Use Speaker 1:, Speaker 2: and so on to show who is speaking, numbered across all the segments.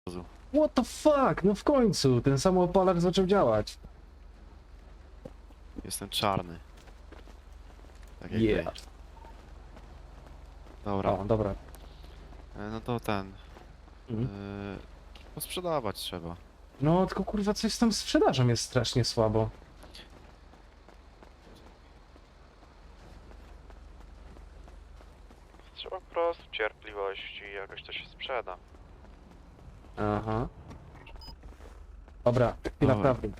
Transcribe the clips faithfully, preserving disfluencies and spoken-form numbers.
Speaker 1: What the fuck? No w końcu, ten samoopalacz zaczął działać.
Speaker 2: Jestem czarny. Tak jak
Speaker 1: Yeah.
Speaker 2: ty. Dobra.
Speaker 1: O, dobra.
Speaker 2: E, No to ten.
Speaker 1: Mhm.
Speaker 2: Yy, posprzedawać trzeba.
Speaker 1: No tylko kurwa coś z tą sprzedażą jest strasznie słabo.
Speaker 2: Trzeba po prostu cierpliwości i jakoś to się sprzeda.
Speaker 1: Aha. Dobra, chwila
Speaker 2: Dobra.
Speaker 1: prawdy.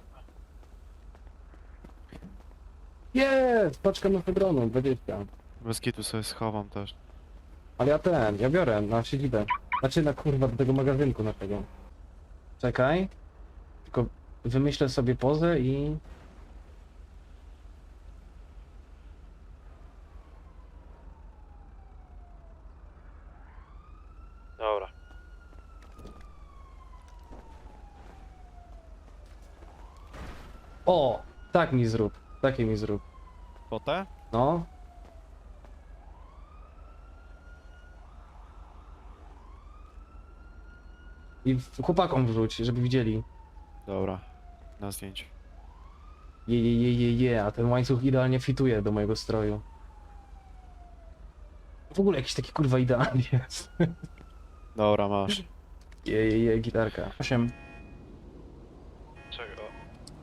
Speaker 1: Jest! Paczka mefedronu, dwadzieścia.
Speaker 2: Bez kitu sobie schowam też.
Speaker 1: Ale ja ten, ja biorę na siedzibę. Znaczy na kurwa do tego magazynku na tego. Czekaj. Tylko wymyślę sobie pozę i...
Speaker 2: Dobra.
Speaker 1: O! Tak mi zrób. Takie mi zrób.
Speaker 2: Potę?
Speaker 1: No. I w- chłopakom wrzuć, żeby widzieli.
Speaker 2: Dobra. Na zdjęciu.
Speaker 1: Je, je, je, je, je, a ten łańcuch idealnie fituje do mojego stroju. W ogóle jakiś taki kurwa idealny jest.
Speaker 2: Dobra, masz.
Speaker 1: Je, je, je, gitarka. osiem.
Speaker 2: Czego?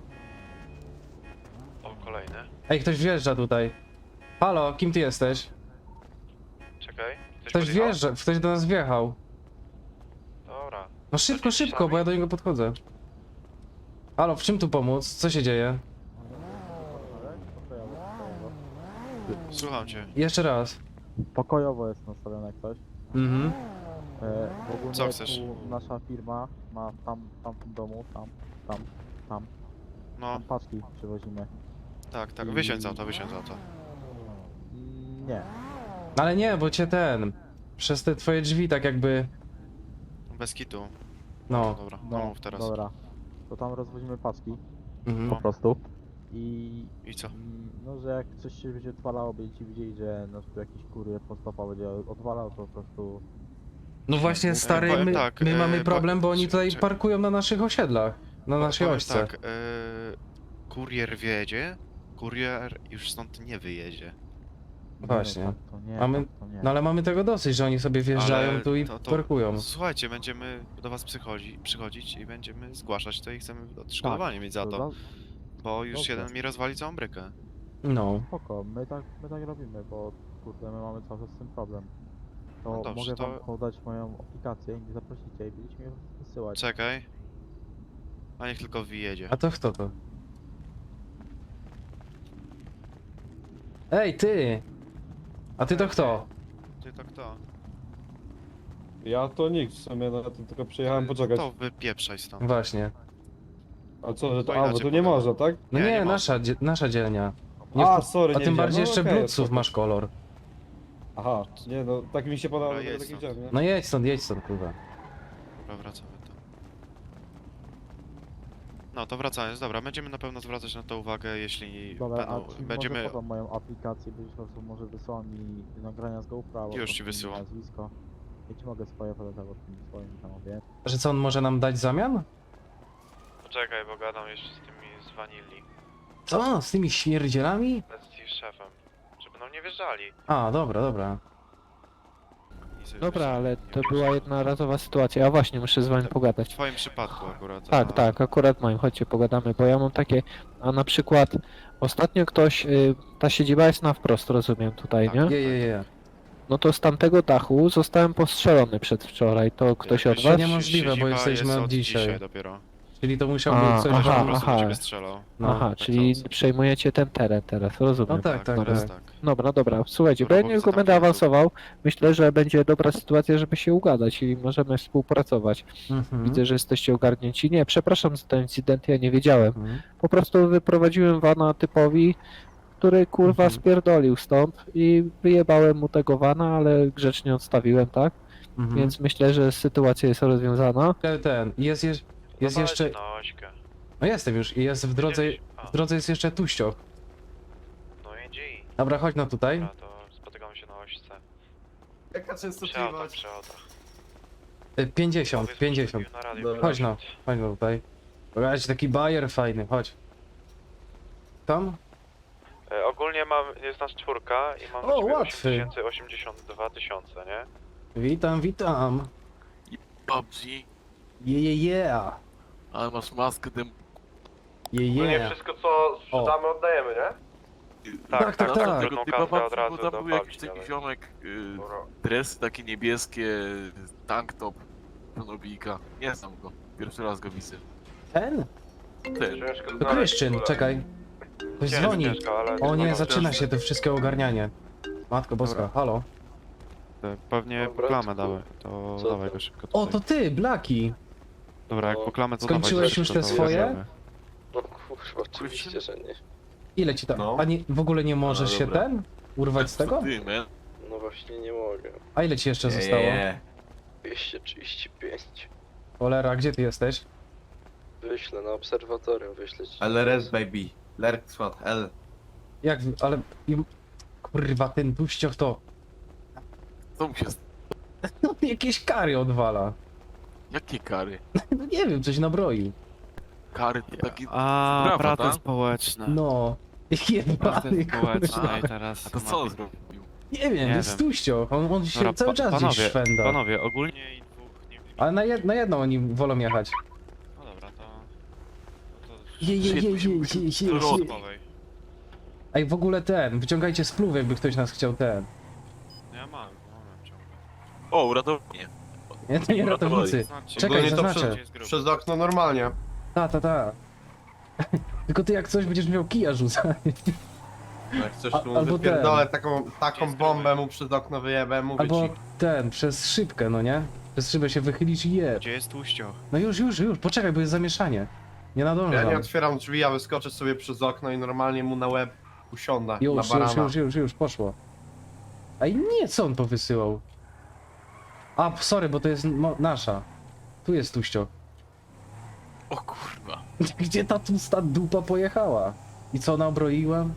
Speaker 2: O, kolejny.
Speaker 1: Ej, ktoś wjeżdża tutaj. Halo, kim ty jesteś?
Speaker 2: Czekaj.
Speaker 1: Ktoś wjeżdża, ktoś do nas wjechał.
Speaker 2: Dobra.
Speaker 1: No szybko,
Speaker 2: Chodźcie
Speaker 1: szybko,
Speaker 2: sami.
Speaker 1: bo ja do niego podchodzę. Halo, w czym tu pomóc? Co się dzieje?
Speaker 2: Słucham cię.
Speaker 1: Jeszcze raz.
Speaker 3: Pokojowo jest nastawione jak coś.
Speaker 1: Mhm.
Speaker 3: E, w ogóle
Speaker 2: Co chcesz?
Speaker 3: tu nasza firma ma tam, tam w tym domu, tam, tam, tam,
Speaker 2: No,
Speaker 3: tam paczki przywozimy.
Speaker 2: tak, tak. Wysiądź z auta, wysiądź z auta.
Speaker 3: Mm, Nie.
Speaker 1: Ale nie, bo cię ten... Przez te twoje drzwi tak jakby...
Speaker 2: Bez kitu.
Speaker 1: No.
Speaker 2: Dobra, no mów teraz.
Speaker 3: Dobra. To tam rozwozimy paczki po
Speaker 1: Mhm.
Speaker 3: prostu. I
Speaker 2: I co?
Speaker 3: mm, no, że jak coś się będzie odwalało, będziecie widzieli, że no, tu jakiś kurier postopa będzie odwalał, to po prostu...
Speaker 1: No właśnie, stary,
Speaker 2: powiem
Speaker 1: my,
Speaker 2: tak,
Speaker 1: my
Speaker 2: e,
Speaker 1: mamy
Speaker 2: bo-
Speaker 1: problem, bo oni
Speaker 2: czy-
Speaker 1: tutaj
Speaker 2: czy-
Speaker 1: parkują na naszych osiedlach. Na naszej
Speaker 2: Powiem
Speaker 1: ośce.
Speaker 2: tak, e, kurier wjedzie, kurier już stąd nie wyjedzie.
Speaker 3: Nie,
Speaker 1: Właśnie.
Speaker 3: No, tak to nie,
Speaker 1: Mamy-
Speaker 3: tak to nie.
Speaker 1: No ale mamy tego dosyć, że oni sobie wjeżdżają
Speaker 2: Ale
Speaker 1: tu i
Speaker 2: to- to-
Speaker 1: parkują.
Speaker 2: Słuchajcie, będziemy do was przychodzi, przychodzić i będziemy zgłaszać to i chcemy odszkodowanie mieć za
Speaker 3: To
Speaker 2: to,
Speaker 3: za-
Speaker 2: bo już
Speaker 3: dobrze.
Speaker 2: jeden mi rozwali całą brykę.
Speaker 1: No.
Speaker 3: Spoko, my tak, my tak robimy, bo kurde, my mamy cały czas z tym problem. To
Speaker 2: No dobrze,
Speaker 3: mogę
Speaker 2: to-
Speaker 3: wam podać moją aplikację i mnie zaprosicie i będziecie mnie wysyłać.
Speaker 2: Czekaj. A niech tylko wyjedzie.
Speaker 1: A to kto to? Ej, ty! A ty to kto?
Speaker 2: Ty to kto?
Speaker 4: Ja to nikt w sumie, no to tylko przyjechałem poczekać.
Speaker 2: To wypieprzaj stąd.
Speaker 1: Właśnie.
Speaker 4: A co, że
Speaker 2: To
Speaker 4: to, a, bo
Speaker 2: inaczej
Speaker 4: tu nie
Speaker 2: powiem.
Speaker 4: można, tak?
Speaker 1: No
Speaker 2: Nie,
Speaker 1: nie,
Speaker 2: nie ma.
Speaker 1: nasza, dzie- nasza dzielnia. Nie
Speaker 4: A,
Speaker 1: w-
Speaker 4: sorry,
Speaker 1: a
Speaker 4: nie
Speaker 1: tym bardziej
Speaker 4: widziałem.
Speaker 1: jeszcze
Speaker 4: No, okej,
Speaker 1: brudców
Speaker 4: spoko.
Speaker 1: masz kolor.
Speaker 4: Aha, nie no, tak mi się podobało,
Speaker 2: Dobra,
Speaker 4: że
Speaker 2: jedź
Speaker 4: taki
Speaker 2: stąd.
Speaker 4: widziałem, nie?
Speaker 1: No jedź stąd, jedź stąd, kurwa.
Speaker 2: Dobra, wracamy tu. No to wracając, dobra, będziemy na pewno zwracać na to uwagę, jeśli
Speaker 3: Dobra, a
Speaker 2: będą,
Speaker 3: ci
Speaker 2: będziemy...
Speaker 3: może podam moją aplikację, będziesz po prostu może wysłał mi nagrania z GoPro, albo
Speaker 2: Już ci
Speaker 3: po prostu
Speaker 2: wysyłam.
Speaker 3: nazwisko. Ja ci mogę swoje podać, albo tym swoim tam obie.
Speaker 1: Że co on może nam dać w zamian?
Speaker 2: Poczekaj, bo gadam jeszcze z tymi z Vanilli,
Speaker 1: Co? Z tymi śmierdzielami?
Speaker 2: z ich szefem, żeby nam nie wjeżdżali.
Speaker 1: A, dobra, dobra.
Speaker 2: I sobie
Speaker 5: Dobra,
Speaker 2: wjeżdżali,
Speaker 5: ale
Speaker 2: nie
Speaker 5: to
Speaker 2: wjeżdżali.
Speaker 5: była jednorazowa sytuacja. Ja właśnie muszę z wami
Speaker 2: W
Speaker 5: pogadać.
Speaker 2: twoim przypadku akurat.
Speaker 5: Tak,
Speaker 2: a-
Speaker 5: tak, akurat moim, chodźcie pogadamy, bo ja mam takie, a na przykład ostatnio ktoś, y, ta siedziba jest na wprost, rozumiem tutaj,
Speaker 2: Tak.
Speaker 5: nie?
Speaker 1: Je, je, je.
Speaker 5: No to z tamtego dachu zostałem postrzelony przedwczoraj, to ktoś od
Speaker 2: Jakbyś-
Speaker 1: To
Speaker 5: was?
Speaker 1: niemożliwe, bo
Speaker 2: siedziba
Speaker 1: jesteśmy
Speaker 2: jest
Speaker 1: od dzisiaj.
Speaker 2: dopiero.
Speaker 1: Czyli to musiał
Speaker 5: A,
Speaker 1: być coś...
Speaker 2: Ktoś
Speaker 5: aha,
Speaker 2: po prostu do
Speaker 5: aha.
Speaker 2: ciebie strzelał.
Speaker 1: No.
Speaker 5: Aha,
Speaker 2: tak
Speaker 5: czyli
Speaker 2: sądzę.
Speaker 5: przejmujecie ten teren teraz, rozumiem.
Speaker 1: No tak, tak,
Speaker 2: to
Speaker 1: tak.
Speaker 2: jest tak.
Speaker 5: Dobra, dobra, słuchajcie, bo
Speaker 2: Dobra,
Speaker 5: ja
Speaker 2: bo
Speaker 5: nie
Speaker 2: widzę
Speaker 5: tylko
Speaker 2: tam
Speaker 5: będę
Speaker 2: wjazdu.
Speaker 5: awansował, myślę, że będzie dobra sytuacja, żeby się ugadać i możemy współpracować.
Speaker 1: Mhm.
Speaker 5: Widzę, że jesteście ogarnięci. Nie, przepraszam za ten incydent, ja nie wiedziałem.
Speaker 1: Mhm.
Speaker 5: Po prostu wyprowadziłem wana typowi, który kurwa
Speaker 1: Mhm.
Speaker 5: spierdolił stąd i wyjebałem mu tego wana, ale grzecznie odstawiłem, tak?
Speaker 1: Mhm.
Speaker 5: Więc myślę, że sytuacja jest rozwiązana.
Speaker 1: Ten, ten, jest, jest, jest
Speaker 2: No
Speaker 1: jeszcze...
Speaker 2: Na ośkę.
Speaker 1: No jestem już i jest w drodze...
Speaker 2: A,
Speaker 1: W drodze jest jeszcze tuścioch.
Speaker 2: no idzie i.
Speaker 1: Dobra, chodź no tutaj.
Speaker 2: Dobra, to spotykamy się na ośce.
Speaker 4: Jaka
Speaker 2: Przy autach,
Speaker 4: częstotliwość?
Speaker 2: przy autach.
Speaker 1: Y, pięćdziesiąt, pięćdziesiąt.
Speaker 2: Na radiu.
Speaker 4: Dobra.
Speaker 1: Chodź no, chodź no tutaj. Pogadać taki bajer fajny, chodź. Tam?
Speaker 6: E, ogólnie mam, jest nas czwórka i mam
Speaker 1: O,
Speaker 6: na ciebie
Speaker 1: łatwy.
Speaker 6: osiemdziesiąt dwa tysiące, nie?
Speaker 1: Witam, witam.
Speaker 7: P U B G,
Speaker 1: Je, je, je.
Speaker 7: ale masz maskę tym.
Speaker 1: Je, je.
Speaker 4: wszystko co
Speaker 1: sprzedamy,
Speaker 4: oddajemy, nie?
Speaker 1: Tak, tak, tak.
Speaker 6: Jedną
Speaker 7: Typa
Speaker 6: kartę
Speaker 7: mam,
Speaker 6: od razu
Speaker 7: bo tam
Speaker 6: do
Speaker 7: był jakiś
Speaker 6: Pawli
Speaker 7: taki
Speaker 6: dawaj.
Speaker 7: ziomek, y, dresy takie niebieskie, tank top, Nobika. Nie znam go, pierwszy raz go widzę.
Speaker 1: Ten?
Speaker 7: Ten,
Speaker 1: To Kryszczyn, czekaj. Ktoś
Speaker 6: Nie,
Speaker 1: dzwoni.
Speaker 6: ciężko, ale
Speaker 1: O nie,
Speaker 6: jest
Speaker 1: zaczyna się to wszystkie ogarnianie. Matko boska,
Speaker 2: Dobra.
Speaker 1: halo.
Speaker 2: E, Pewnie
Speaker 8: Dobra,
Speaker 2: poklamę
Speaker 8: to-
Speaker 2: dały, to
Speaker 8: co
Speaker 2: dawaj
Speaker 8: tam?
Speaker 2: go szybko
Speaker 1: O,
Speaker 2: tutaj.
Speaker 1: to ty, Blaki.
Speaker 2: Dobra, jak poklamę to
Speaker 1: Skończyłeś
Speaker 2: dawaj
Speaker 1: już
Speaker 2: szybko,
Speaker 1: te
Speaker 2: to
Speaker 1: swoje?
Speaker 2: jedziemy.
Speaker 8: No kurwa, oczywiście, że nie.
Speaker 1: Ile ci tam?
Speaker 4: No.
Speaker 1: A nie, w ogóle nie możesz
Speaker 7: No
Speaker 1: się
Speaker 7: dobra.
Speaker 1: ten? Urwać z tego?
Speaker 7: Ty, man.
Speaker 8: No właśnie nie mogę.
Speaker 1: A ile ci jeszcze zostało?
Speaker 8: dwieście trzydzieści pięć.
Speaker 1: Cholera, gdzie ty jesteś?
Speaker 8: Wyślę na obserwatorium, wyślę ci.
Speaker 9: L R S baby. Lerk swat L.
Speaker 1: Jak, wy- ale... im- Kurwa, ten tuścioch to...
Speaker 7: Co mu się... st-
Speaker 1: No, jakieś kary odwala.
Speaker 7: Jakie kary?
Speaker 1: No nie wiem, coś nabroił.
Speaker 7: Kary to taki...
Speaker 2: A,
Speaker 7: Brawo,
Speaker 2: prace
Speaker 7: tak?
Speaker 2: społeczne.
Speaker 1: No.
Speaker 2: Prace
Speaker 1: Jebany,
Speaker 2: społeczne
Speaker 1: kurwa.
Speaker 2: i teraz...
Speaker 7: A to co on zrobił?
Speaker 1: Nie wiem,
Speaker 2: Nie
Speaker 1: jest
Speaker 2: wiem.
Speaker 1: tuścioch. On, on się
Speaker 2: Dobra,
Speaker 1: cały
Speaker 2: pa-
Speaker 1: czas gdzieś
Speaker 2: panowie,
Speaker 1: szwenda.
Speaker 2: Panowie, ogólnie i dwóch nie...
Speaker 1: Ale na, jed, na jedną oni wolą jechać.
Speaker 2: No dobra, to... No to...
Speaker 1: Je, je, je, je, je, je, je, je.
Speaker 2: Rozmowej.
Speaker 1: Ej, w ogóle ten, wyciągajcie spluw, jakby ktoś nas chciał ten.
Speaker 2: Ja mam, mam ciągle.
Speaker 7: O, uratownie.
Speaker 1: Nie, to nie ratownicy.
Speaker 2: Znaczy,
Speaker 1: Czekaj,
Speaker 9: Ogólnie to
Speaker 1: zaznaczę.
Speaker 2: jest grubo.
Speaker 9: Przez okno normalnie.
Speaker 1: Ta, ta, ta. Tylko ty jak coś będziesz miał kija rzucać.
Speaker 9: Jak coś
Speaker 1: A-
Speaker 9: tu
Speaker 1: albo
Speaker 9: wypierdolę
Speaker 1: ten.
Speaker 9: taką, taką
Speaker 2: Jest
Speaker 9: bombę
Speaker 2: gruby.
Speaker 9: mu przez okno wyjebę, mówię
Speaker 1: Albo
Speaker 9: ci.
Speaker 1: ten, przez szybkę, no nie? Przez szybę się wychylisz i je.
Speaker 2: Gdzie jest tłuścioch?
Speaker 1: No już, już, już, poczekaj, bo jest zamieszanie. Nie
Speaker 9: Ja
Speaker 1: nadążam.
Speaker 9: nie otwieram drzwi, ja wyskoczę sobie przez okno i normalnie mu na łeb usiądę, na
Speaker 1: Już, już,
Speaker 9: barana.
Speaker 1: już, już, już, poszło. Ej, nie, co on powysyłał? A, sorry, bo to jest mo- nasza. Tu jest tuścio.
Speaker 7: O kurwa.
Speaker 1: Gdzie ta tłusta dupa pojechała? I co nabroiłem?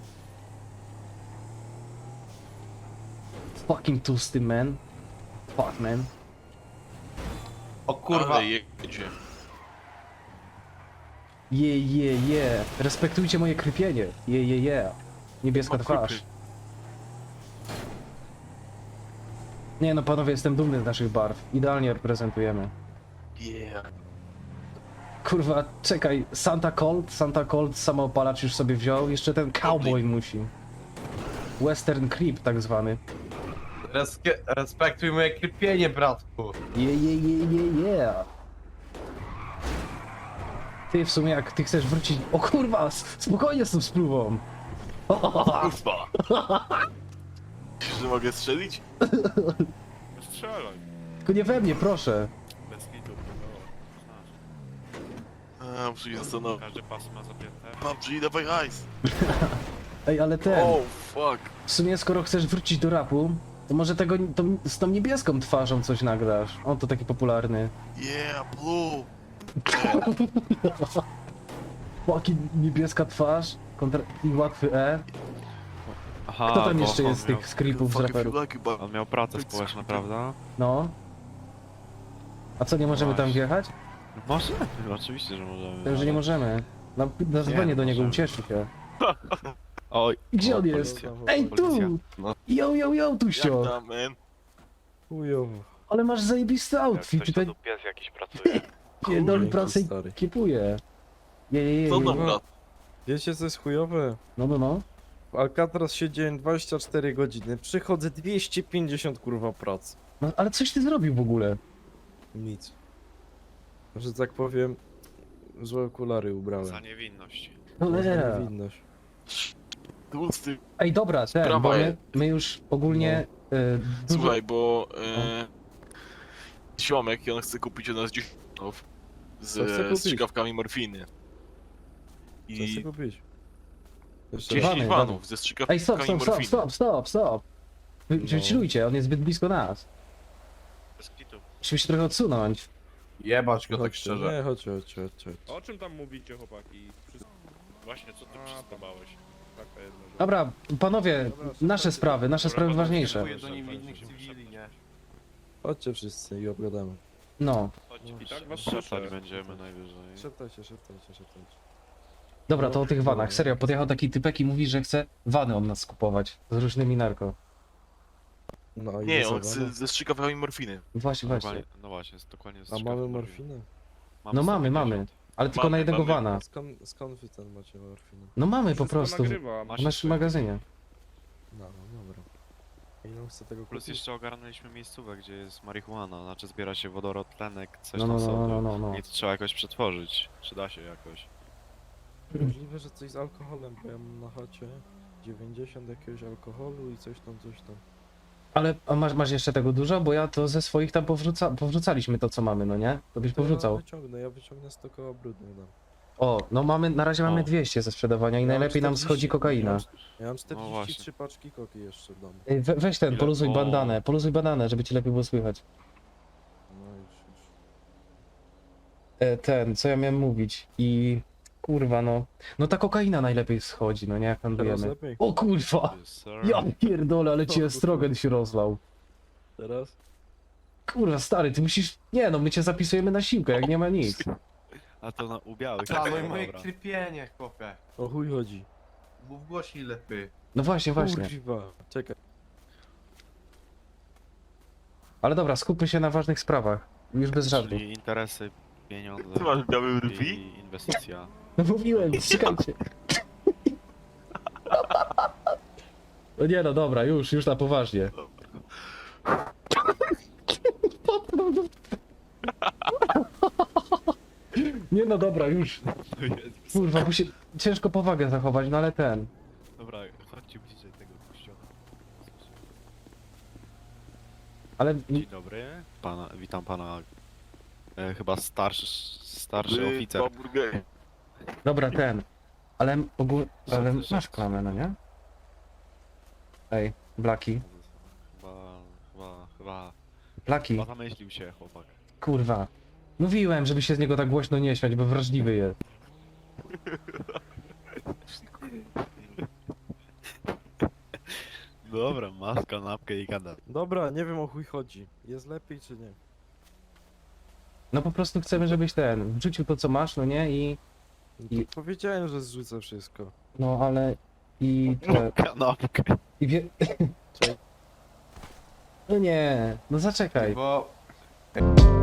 Speaker 1: Fucking tłusty man. Fuck man.
Speaker 9: O kurwa,
Speaker 7: Ale jedzie.
Speaker 1: Je, je, je. Respektujcie moje krypienie. Je, je, je. Niebieska
Speaker 7: O,
Speaker 1: twarz.
Speaker 7: krypy.
Speaker 1: Nie no, panowie, jestem dumny z naszych barw. Idealnie reprezentujemy.
Speaker 7: Yeah.
Speaker 1: Kurwa, czekaj. Santa Colt, Santa Colt samoopalacz już sobie wziął. Jeszcze ten cowboy musi. Western Creep tak zwany.
Speaker 9: Reske- respektuj moje krypienie, bratku.
Speaker 1: Je, je, je, je, je. Ty w sumie jak ty chcesz wrócić... O kurwa, s- spokojnie z tą spluwą.
Speaker 7: Kurwa. Myślisz, że mogę strzelić?
Speaker 2: Strzelaj.
Speaker 1: Tylko nie we mnie, proszę.
Speaker 2: Bez kitu.
Speaker 7: A, muszę się zastanowić.
Speaker 2: Każdy pas ma zapięte.
Speaker 7: P U B G, dawaj hajs.
Speaker 1: Ej, ale ten...
Speaker 7: Oh, fuck.
Speaker 1: W sumie skoro chcesz wrócić do rapu, to może tego to, z tą niebieską twarzą coś nagrasz. On to taki popularny.
Speaker 7: Yeah, blue.
Speaker 1: Fucking niebieska twarz kontra... i łatwy E.
Speaker 2: Aha,
Speaker 1: Kto tam
Speaker 2: bo
Speaker 1: jeszcze
Speaker 2: on
Speaker 1: jest z
Speaker 2: miał,
Speaker 1: tych skripów z
Speaker 7: Fuck if
Speaker 1: raperów?
Speaker 7: you like it, but...
Speaker 2: On miał pracę społeczną, prawda?
Speaker 1: No. A co, nie możemy tam
Speaker 2: Właśnie.
Speaker 1: wjechać?
Speaker 2: Możemy, oczywiście, że możemy.
Speaker 1: To, że nie możemy. Na, na dzwonię do niego,
Speaker 2: możemy.
Speaker 1: ucieszy się.
Speaker 2: Oj,
Speaker 1: Gdzie
Speaker 2: o,
Speaker 1: on jest?
Speaker 2: policja.
Speaker 1: Ej,
Speaker 2: Policja.
Speaker 1: tu!
Speaker 9: No.
Speaker 1: Yo, yo, yo,
Speaker 7: Jak
Speaker 1: tuścio!
Speaker 7: tam, man?
Speaker 4: Chujowo.
Speaker 1: Ale masz zajebisty outfit, tutaj
Speaker 6: pies jakiś pracuje.
Speaker 1: pierdoli
Speaker 4: Kurwa,
Speaker 1: pracę i
Speaker 4: stary.
Speaker 1: kipuje. Je, je, je,
Speaker 7: Co
Speaker 1: je.
Speaker 7: tam, brat?
Speaker 4: Wiecie co jest chujowe?
Speaker 1: No, no, no.
Speaker 4: W Alcatraz siedziałem dwadzieścia cztery godziny, przychodzę dwieście pięćdziesiąt kurwa pracy.
Speaker 1: No, ale coś ty zrobił w ogóle?
Speaker 4: Nic. Że tak powiem, złe okulary ubrałem.
Speaker 2: Za niewinność.
Speaker 1: Cholera.
Speaker 4: Niewinność.
Speaker 7: Tłusty.
Speaker 1: Ej, dobra, ten,
Speaker 7: Sprawa
Speaker 1: bo my,
Speaker 7: jest.
Speaker 1: my już ogólnie y, dużo...
Speaker 7: Słuchaj, bo... E, ziomek i on chce kupić od nas dziesięć z
Speaker 4: Co chce kupić?
Speaker 7: strzykawkami morfiny.
Speaker 4: Co chcę
Speaker 7: I
Speaker 4: kupić? Jeszcze
Speaker 1: Wany,
Speaker 7: dziesięć
Speaker 1: wany.
Speaker 7: vanów ze
Speaker 1: Ej,
Speaker 7: strzykawkami
Speaker 1: stop, stop, stop,
Speaker 7: morfiny.
Speaker 1: stop, stop, stop! Wy,
Speaker 4: No.
Speaker 1: Chillujcie, on jest zbyt blisko nas.
Speaker 2: Bez kitu.
Speaker 1: Musimy się trochę odsunąć.
Speaker 9: Jebać go tak
Speaker 4: Chodźcie,
Speaker 9: szczerze.
Speaker 4: Nie, chodźcie, chodźcie, chodźcie.
Speaker 10: O czym tam mówicie, chłopaki? Wszystko...
Speaker 2: Właśnie, co ty przystawałeś?
Speaker 10: Taka jedna rzecz.
Speaker 1: Dobra, panowie, nasze sprawy, nasze
Speaker 2: Dobra,
Speaker 1: sprawy
Speaker 2: panowie,
Speaker 1: ważniejsze.
Speaker 2: dziękuję.
Speaker 9: do niewinnych cywili, nie?
Speaker 4: Chodźcie wszyscy i obgadamy.
Speaker 1: No.
Speaker 10: I tak was
Speaker 2: Szeptać
Speaker 10: słyszę.
Speaker 2: będziemy najwyżej.
Speaker 4: Szeptajcie, szeptajcie, szeptajcie.
Speaker 1: Dobra, to o tych vanach. Serio, podjechał taki typek i mówi, że chce vany od nas skupować. Z różnymi narko.
Speaker 4: No i
Speaker 7: Nie, on
Speaker 4: zasawa,
Speaker 7: ze- zestrzyga mi morfiny.
Speaker 1: Właśnie, właśnie.
Speaker 2: Normalnie, no właśnie, jest dokładnie jest
Speaker 4: no. A
Speaker 2: ciekawe
Speaker 4: mamy
Speaker 2: morfiny.
Speaker 4: morfinę?
Speaker 1: No mamy,
Speaker 2: sto
Speaker 1: mamy.
Speaker 2: pięćdziesiąt.
Speaker 1: Ale tylko na
Speaker 7: Mamy,
Speaker 1: jednego
Speaker 7: mamy.
Speaker 1: vana.
Speaker 4: A skąd, skąd wy ten macie morfinę?
Speaker 1: No mamy po
Speaker 10: Wszystko
Speaker 1: prostu.
Speaker 10: nagrywam.
Speaker 1: W
Speaker 2: Macie
Speaker 1: naszym
Speaker 2: swoje.
Speaker 1: magazynie.
Speaker 4: No, no dobra. A ile chce tego
Speaker 2: Plus
Speaker 4: kupić?
Speaker 2: jeszcze ogarnęliśmy miejscówę, gdzie jest marihuana, znaczy zbiera się wodorod, tlenek, coś
Speaker 1: No,
Speaker 2: tam
Speaker 1: no, no,
Speaker 2: sobie.
Speaker 1: no, no, no.
Speaker 2: I to trzeba jakoś przetworzyć. Czy da się jakoś?
Speaker 4: Możliwe, że coś z alkoholem, bo ja mam na chacie dziewięćdziesiąt jakiegoś alkoholu i coś tam, coś tam.
Speaker 1: Ale a masz, masz jeszcze tego dużo? Bo ja to ze swoich tam powrzuca, powrzucaliśmy to, co mamy, no nie? To byś
Speaker 4: To ja
Speaker 1: powrzucał.
Speaker 4: wyciągnę, ja wyciągnę sto koła brudnych dam.
Speaker 1: O, no mamy, na razie mamy
Speaker 2: O.
Speaker 1: dwieście ze sprzedawania i
Speaker 4: Ja mam
Speaker 1: najlepiej nam
Speaker 4: czterdzieści,
Speaker 1: schodzi
Speaker 4: Ja
Speaker 1: kokaina.
Speaker 4: mam, ja mam czterdzieści
Speaker 2: właśnie.
Speaker 4: trzy paczki koki jeszcze w domu.
Speaker 1: Ej, we, weź ten,
Speaker 2: Ile?
Speaker 1: poluzuj
Speaker 2: O.
Speaker 1: bandanę, poluzuj bandanę, żeby ci lepiej było słychać.
Speaker 4: No już, już.
Speaker 1: E, ten, co ja miałem mówić i... Kurwa, no. No ta kokaina najlepiej schodzi, no nie, jak
Speaker 4: Teraz
Speaker 1: handlujemy.
Speaker 4: lepiej?
Speaker 1: O kurwa!
Speaker 2: Yes, sir.
Speaker 1: Ja pierdolę, ale
Speaker 4: O
Speaker 1: ci
Speaker 4: kurwa.
Speaker 1: estrogen się rozlał.
Speaker 4: Teraz?
Speaker 1: Kurwa, stary, ty musisz... Nie no, my cię zapisujemy na siłkę, jak nie ma nic.
Speaker 2: A to na ubiałych.
Speaker 9: A, no i moje
Speaker 2: Dobra.
Speaker 9: krypienie, chłopie.
Speaker 4: O chuj chodzi.
Speaker 9: Mów głośniej lepiej.
Speaker 1: No właśnie, właśnie.
Speaker 4: Kurwa, czekaj.
Speaker 2: Ale
Speaker 1: Ale dobra, skupmy się na ważnych sprawach. Już bez żartu.
Speaker 2: Czyli interesy, pieniądze
Speaker 7: Ty masz białe brwi?
Speaker 2: i inwestycja.
Speaker 1: No mówiłem, czekajcie. No nie no, dobra, już, już na poważnie. Nie no, dobra, już. Kurwa, musi... ciężko powagę zachować, no ale ten.
Speaker 2: Dobra, chodźcie bliżej tego kościoła.
Speaker 1: Ale...
Speaker 2: Dzień dobry. Pana, witam pana. E, chyba starszy, starszy
Speaker 7: Wy,
Speaker 2: oficer.
Speaker 7: hamburgery.
Speaker 1: Dobra, ten. Ale ogólnie... Ale
Speaker 2: Co ty
Speaker 1: masz
Speaker 2: żarty?
Speaker 1: klamę, no nie? Ej, Blaki.
Speaker 2: Chyba, chyba, chyba,
Speaker 1: Blaki,
Speaker 2: chyba zamyślił się chłopak.
Speaker 1: kurwa. Mówiłem, żeby się z niego tak głośno nie śmiać, bo wrażliwy jest.
Speaker 2: Dobra, masz kanapkę i gada.
Speaker 4: Dobra, nie wiem o chuj chodzi. Jest lepiej czy nie?
Speaker 1: No po prostu chcemy, żebyś ten, wrzucił to co masz, no nie? I...
Speaker 4: No to
Speaker 1: I-
Speaker 4: powiedziałem, że zrzucę wszystko.
Speaker 1: No ale... I... Te,
Speaker 2: Kanapkę.
Speaker 1: i wie...
Speaker 4: Czekaj.
Speaker 1: No nie, no zaczekaj.
Speaker 9: Bo